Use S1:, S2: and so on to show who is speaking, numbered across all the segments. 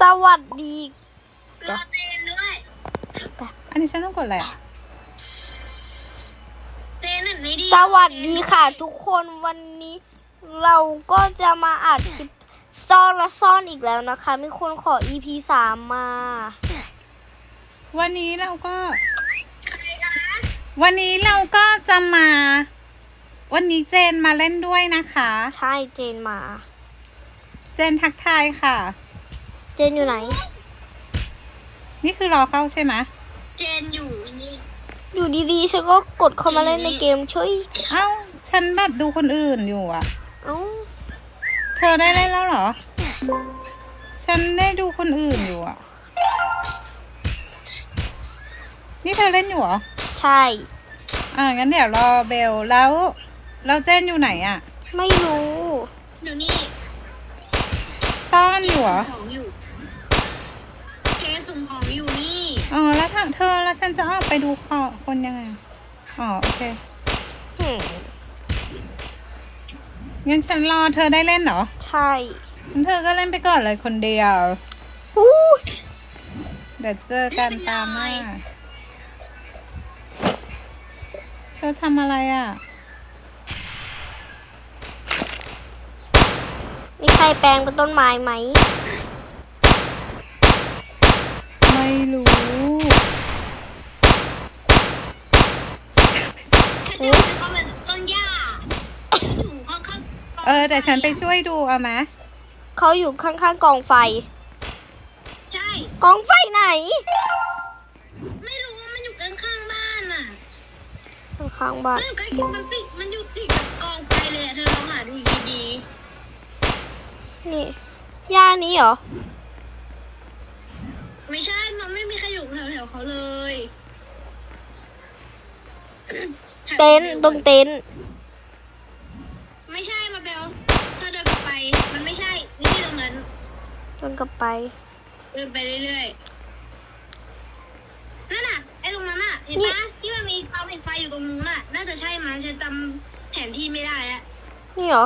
S1: วัสดี
S2: รอเจนด้วย
S3: อันนี้ฉันต้องกดอะไรอ่ะ
S2: เจนนั่นไม่ดี
S1: สวัสดีค่ะทุกคนวันนี้เราก็จะมาอัดคลิปซ่อนและซ่อนอีกแล้วนะคะมีคนขอ EP 3 มา
S3: วันนี้เราก็จะมา วันนี้เจนมาเล่นด้วยนะคะ
S1: ใช่เจนมา
S3: เจนทักทายค่ะ
S1: เจนอยู่ไหน
S3: นี่คือรอเข้าใช่ไหม
S2: เจนอยู่นี่
S1: อยู่ดีๆฉันก็กดเข้ามาเล่นในเกมช่วย
S3: เอ้าฉันแบบดูคนอื่นอยู่อ่ะ
S1: เอ้า
S3: เธอได้เล่นแล้วเหรอ ฉันได้ดูคนอื่นอยู่อ่ะ นี่เธอเล่นอยู่เหรอ
S1: ใช่
S3: งั้นเดี๋ยวรอเบลแล้วเจนอยู่ไหนอ่ะ
S1: ไม่รู้
S2: เดี๋ยวนี้
S3: ซ่อนอยู่เหรอ
S2: ของอยู่เจนสุ่มของอยู่นี่
S3: แล้วถ้าเธอแล้วฉันจะออกไปดูคนยังไง โอเค
S1: หืม
S3: งั้นฉันรอเธอได้เล่นเหรอ
S1: ใช่
S3: งั้นเธอก็เล่นไปก่อนเลยคนเดียว
S1: อู้
S3: เดี๋ยวเจอกันตามหน้า เธอทำอะไรอ่ะ
S1: มีใครแปลงเป็นต้นไม้ไหม
S3: ไม่รู้
S2: ฉันเดินเข้ามาต้นหญ้าอยู่ข้างๆ
S3: แต่ฉันไปช่วยดูเอาไหม
S1: เขาอยู่ข้างๆกองไฟ
S2: ใช่
S1: กองไฟไหน
S2: ไม่รู้ว่ามันอยู่ข้างๆบ้านอ่ะ
S1: ข้างๆบ้าน
S2: มันอยู่ใกล้มันอยู่ติดกับกองไฟเลยอะเธอลองหาดูดี
S1: นี่ย่านี้เหรอ
S2: ๆไม่ใช่มันไม่มีใครอยู่แถวๆเขาเลย
S1: เต็นท์ตรงเต็นท์
S2: ไม่ใช่มาเบลเธอเดินกลับไปมันไม่ใช่นี่ตรงนั้น
S1: เดินกลับไป
S2: เดินไปเรื่อยๆนั่นน่ะไอ้ตรงนั้นน่ะเห็น
S1: นี่
S2: ปะที่มันมีเตาผิงไฟอยู่ตรงนู้นน่ะน่าจะใช่มั้งฉันจำแผนที่ไม่ได้อะ
S1: นี่เหรอ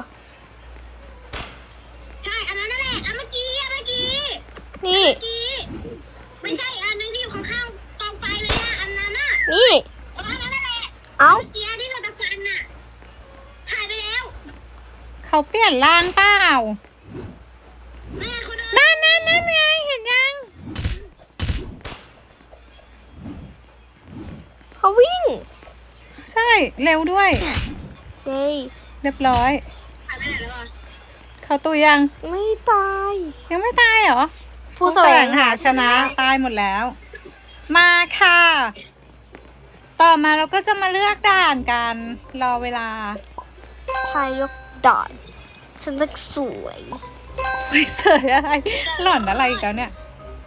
S2: ใช่อันนั้นนั่นแหละอันเมื่อกี้
S1: นี่
S2: เมื่อกี้ไม่ใช่อันนึงที่อยู่ข้างๆกองไฟเลยอะอันนั้นน่ะ
S1: นี่
S2: อันนั้นนั่นแหละ
S1: เอ้า
S2: เมื่อกี้ที่เราตะพันน่ะหายไปแล้ว
S3: เขาเปลี่ยนร่างเปล่า
S2: แม่เขาเดิน
S3: นั่นไงเห็นยัง
S1: เขาวิ่ง
S3: ใช่ เร็วด้วย
S1: เย้ย
S3: เรียบร้อย
S2: หายไปไหนแล้วอ่ะ
S3: เขาตัวยัง
S1: ไม่ตาย
S3: ยังไม่ตายเหรอ
S1: ผู้แสวงหา
S3: ชนะตายหมดแล้ว มาค่ะ ต่อมาเราก็จะมาเลือกด่านกัน รอเวลา
S1: ชายยกดอนฉันจะสวย
S3: เสยอะไร หล่อนอะไรอีกแล้วเนี่ย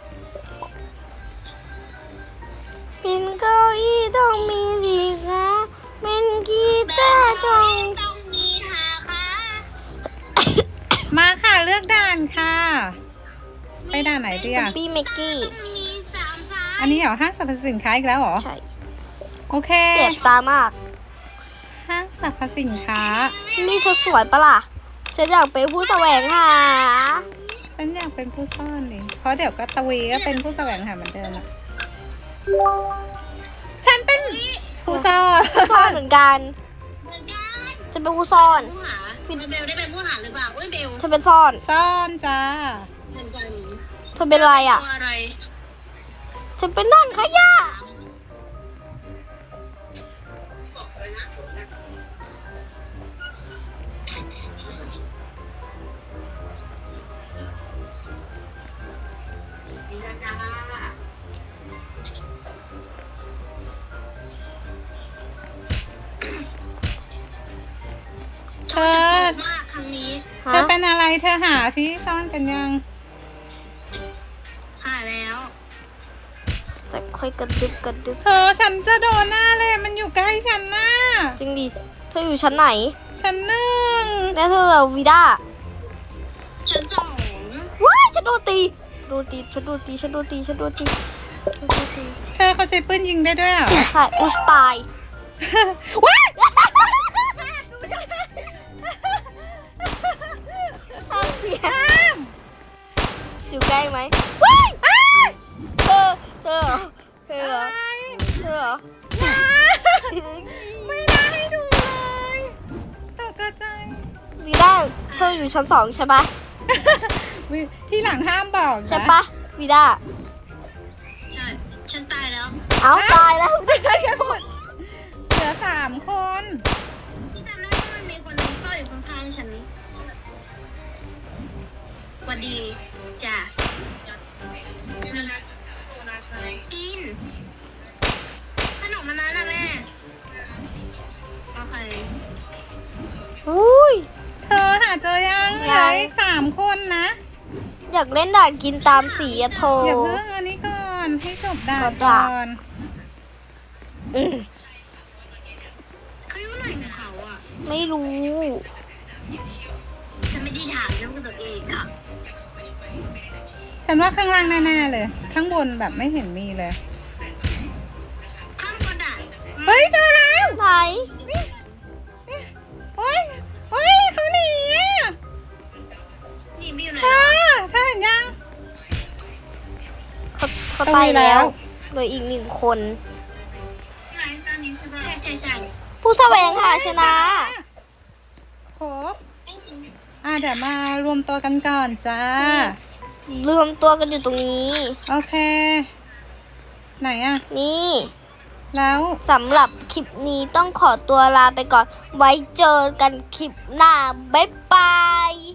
S1: เป็นเก้าอี้ต้องมีสีขาเป็นกีตาร์ต้อง
S2: ต้องมีหาค่ะ
S3: มาค่ะเลือกด่านค่ะ ไปด่านไหนดี
S1: ส
S3: อ่ะ
S1: ปีเมกกี้
S2: มีสามสาย
S3: อันนี้เหรอห้างสรรพสินค้าอีกแล้วเหรอ
S1: ใช่
S3: โอเค
S1: เจ็บตามาก
S3: ห้างสรรพสินค้า
S1: นี่เธอสวยปะล่ะ ฉันอยากเป็นผู้แสวงหา
S3: ฉันอยากเป็นผู้ซ่อนดิเพราะเดี๋ยวก็ตะวีก็เป็นผู้แสวงหาเหมือนเดิมอะฉันเป็นผู้ซ่อน
S1: ซ่อนเหมือนกัน
S2: เหมือนกัน
S1: ฉันเป็นผู้ซ่อน
S2: ผู้หาเบลได้เป็นผู้หาหรือเปล่าอุ้ยเบล
S1: ฉันเป็นซ่อน
S3: ซ่อนจ้า
S2: เหมือนกัน
S1: เธอเป็นอะไรอ่ะ
S2: ตัวอะไร
S1: ฉันเป็นนั่งขยะ
S3: เธอ
S2: มากครั้งนี้
S3: เธอเป็นอะไรเธอหาที่ซ่อนกันยัง
S2: หาแล้ว
S1: จะค่อยกระดึบกระดึบ
S3: เธอฉันจะโดนหน้าเลยมันอยู่ใกล้ฉันน่ะ
S1: จริงดิ เธออยู่ชั้นไหน
S3: ชั้นหนึ่ง
S1: แล้วเธอแบบวีด้า
S2: ชั้นสอง
S1: ว้ายฉันโดนตี ฉันโดนตี ฉันโดนตี ฉันโดนตี ฉันโดนตี
S3: เธอเขาใช้ปืนยิงได้ด้วยเหรอ
S1: ใช่อุยตาย
S3: ว้าย
S1: อยู่ใใกล้ไหมว้ายอ้ายเธอเหรอเธอเหรอ
S3: อะไร
S1: เธอเหรอ
S3: ไม่น่าให้ดูเลยตกใจ
S1: วีด้าเธออยู่ชั้น 2ใช่ปะ
S3: ที่หลังห้ามบอกนะ
S1: ใช่ปะวีด้า
S2: ใช่ฉันตายแล้ว
S1: เอ้าตายแล้ว
S3: เหลือ3 คน
S2: พี่จำได้ว่ามันมีคนหนึงเฝ้าอยู่ข้างๆฉันสวัสดีจ้ะกินขนมมันนั้นนะแม่โอเค
S1: อุ้ย
S3: เธอหาเจอยังเหลืออีก3 คนนะ
S1: อยากเล่นด่านกินตามสีอะโท
S3: อย่าเพิ่งอันนี้ก่อนให้จบด่าน
S1: ก่
S3: ก่
S1: อ
S3: อน น
S1: อืม
S2: เขาอยู่ไหนของเขาอ่ะ
S1: ไม่รู้
S2: ฉันไม่ได้ถามเรื่องตัวเองอ่ะ
S3: ฉันว่าข้างล่างแน่ๆเลย ข้างบนแบบไม่เห็นมีเลย
S2: ข้ามกระดาษ
S3: เฮ้ยเจอแล้ว
S1: ไหน
S3: เฮ้ยเขาหนีอ่ะ
S2: นี่ไม่อยู่ไหน
S3: เธอเห็นยัง
S1: เขา
S3: ต้อง
S1: ตาย
S3: มีแล้
S1: แล้ว
S3: ว
S1: เหลืออีก1 คน
S2: ไหนตอนนี้คือใช่
S1: ผู้แสวงหาชนะ
S3: ครบเดี๋ยวมารวมตัวกันก่อนจ้า
S1: รวมตัวกันอยู่ตรงนี้
S3: โอเค ไหนอ่ะ
S1: นี่
S3: แล้ว
S1: สำหรับคลิปนี้ต้องขอตัวลาไปก่อน ไว้เจอกันคลิปหน้า บ๊ายบาย